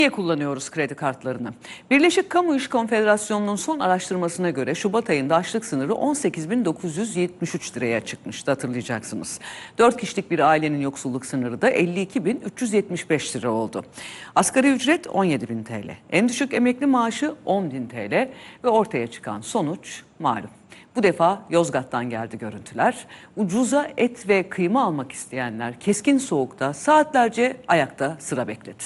Niye kullanıyoruz kredi kartlarını? Birleşik Kamu İş Konfederasyonu'nun son araştırmasına göre Şubat ayında açlık sınırı 18.973 liraya çıkmıştı, hatırlayacaksınız. 4 kişilik bir ailenin yoksulluk sınırı da 52.375 lira oldu. Asgari ücret 17.000 TL, en düşük emekli maaşı 10.000 TL ve ortaya çıkan sonuç malum. Bu defa Yozgat'tan geldi görüntüler. Ucuza et ve kıyma almak isteyenler keskin soğukta saatlerce ayakta sıra bekledi.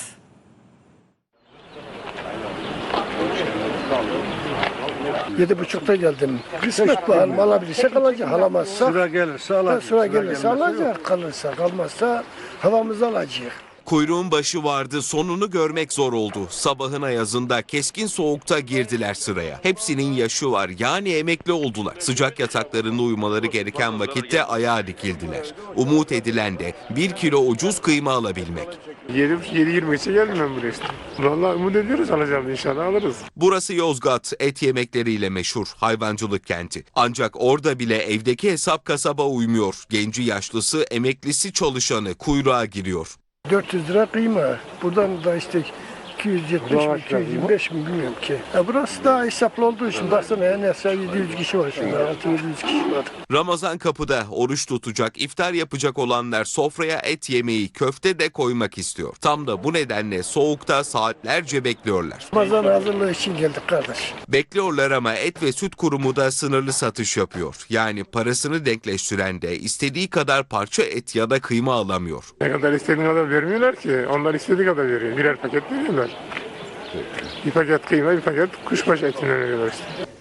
7.30'da geldim. Kısmet bakalım, alabilirsek alacak, alamazsak Sıra gelirse alacak. sıra gelirse alacak, kalırsa kalmazsa havamızı alacak. Kuyruğun başı vardı, sonunu görmek zor oldu. Sabahın ayazında keskin soğukta girdiler sıraya. Hepsinin yaşı var, yani emekli oldular. Sıcak yataklarında uyumaları gereken vakitte ayağa dikildiler. Umut edilen de 1 kilo ucuz kıyma alabilmek. 7.23'e geldim ben buraya işte. Vallahi umut ediyoruz, alacağız, inşallah alırız. Burası Yozgat, et yemekleriyle meşhur hayvancılık kenti. Ancak orada bile evdeki hesap kasaba uymuyor. Genci yaşlısı, emeklisi çalışanı kuyruğa giriyor. 400 lira kıyma. Buradan da işte 270 mi, 225 mi bilmiyorum ki. Burası daha hesaplı olduğu için baksana en az 700 kişi var şurada, 600-700 kişi var. Ramazan kapıda, oruç tutacak, iftar yapacak olanlar sofraya et yemeği, köfte de koymak istiyor. Tam da bu nedenle soğukta saatlerce bekliyorlar. Ramazan hazırlığı için geldik kardeş. Bekliyorlar ama Et ve Süt Kurumu da sınırlı satış yapıyor. Yani parasını denkleştiren de istediği kadar parça et ya da kıyma alamıyor. Ne kadar istediğin kadar vermiyorlar ki. Onlar istediği kadar veriyor. Birer paket veriyorlar. Bir paket kıyma, bir paket kuşbaşı etinden veriyorlar işte.